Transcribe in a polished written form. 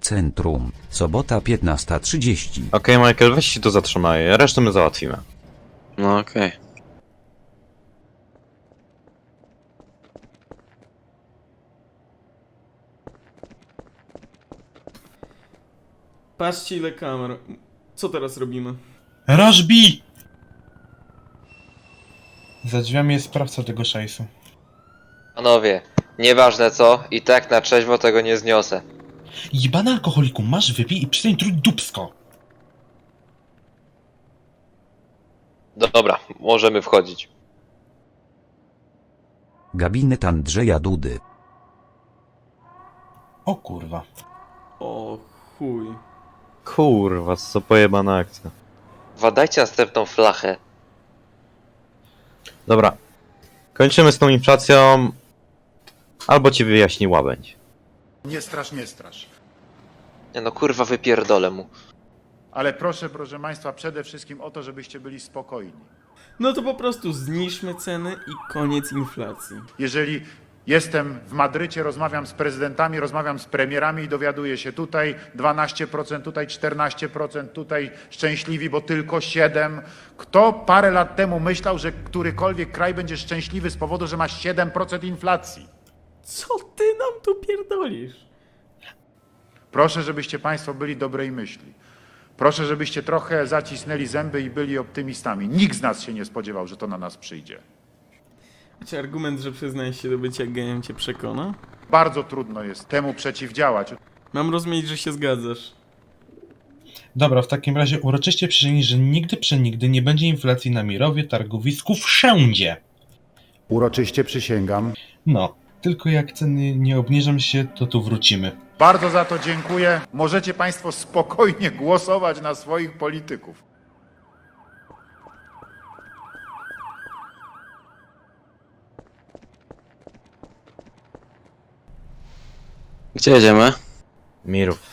centrum, sobota 15:30. Okej, Michael, weź się tu zatrzymaj, resztę my załatwimy. No okej. Patrzcie ile kamer. Co teraz robimy? Rożbi! Za drzwiami jest sprawca tego szajsu. Panowie, nieważne co, i tak na trzeźwo tego nie zniosę. Jebany alkoholiku, masz wypij i przestań truć dupsko. Dobra, możemy wchodzić. Gabinet Andrzeja Dudy. O kurwa. O chuj. Kurwa, co pojebana akcja. Wadajcie następną flachę. Dobra, kończymy z tą inflacją, albo ci wyjaśni łabędź. Nie strasz, nie strasz. Nie no kurwa, wypierdolę mu. Ale proszę Państwa, przede wszystkim o to, żebyście byli spokojni. No to po prostu zniżmy ceny i koniec inflacji. Jeżeli jestem w Madrycie, rozmawiam z prezydentami, rozmawiam z premierami i dowiaduję się tutaj 12%, tutaj 14%, tutaj szczęśliwi, bo tylko 7%. Kto parę lat temu myślał, że którykolwiek kraj będzie szczęśliwy z powodu, że ma 7% inflacji? Co ty nam tu pierdolisz? Proszę, żebyście Państwo byli dobrej myśli. Proszę, żebyście trochę zacisnęli zęby i byli optymistami. Nikt z nas się nie spodziewał, że to na nas przyjdzie. Czy argument, że przyznajesz się do bycia gejem cię przekona? Bardzo trudno jest temu przeciwdziałać. Mam rozumieć, że się zgadzasz. Dobra, w takim razie uroczyście przysięgnij, że nigdy przenigdy nie będzie inflacji na Mirowie, targowisku, wszędzie. Uroczyście przysięgam. No, tylko jak ceny nie obniżą się, to tu wrócimy. Bardzo za to dziękuję. Możecie Państwo spokojnie głosować na swoich polityków. Gdzie jedziemy? Mirów.